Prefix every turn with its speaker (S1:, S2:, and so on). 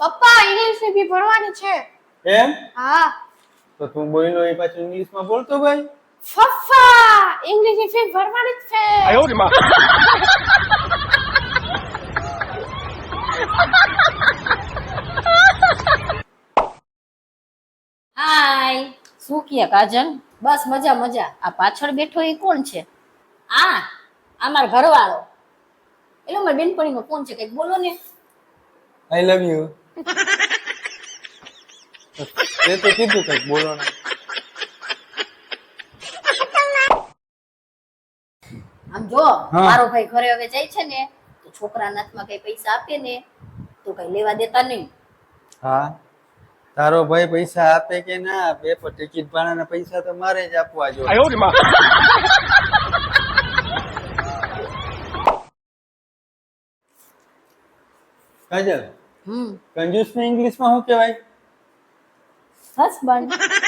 S1: પપ્પા ઇંગ્લિશ ની બી ભણવાની છે.
S2: એમ?
S1: હા.
S2: તો તું બોલ્યો એ પાછું ઇંગ્લિશમાં બોલતો ભાઈ.
S1: પપ્પા ઇંગ્લિશ ની ફી ભરવાની જ છે.
S3: હાય, શું કહે કાજલ? બસ મજા મજા. આ પાછળ બેઠો એ કોણ છે? આ મારો ઘરવાળો. એલો મારી બેનપણીનો ફોન છે, કંઈક બોલો ને.
S2: I love you. તે તો કીધું કંઈક બોલો ને.
S3: આમ જો,
S2: હા.
S3: મારો ભાઈ ઘરે હવે જાય છે ને, તો છોકરાના હાથમાં કઈ પૈસા આપે ને તો કઈ લેવા દેતા નહીં.
S2: હા, તારો ભાઈ પૈસા આપે કે ના આપે પણ ટિકિટ ભાડાના પૈસા તો મારે જ આપવા જોઈએ. કાજલ, કંજૂસ ને ઇંગ્લિશમાં શું કહેવાય?
S3: હસબન્ડ.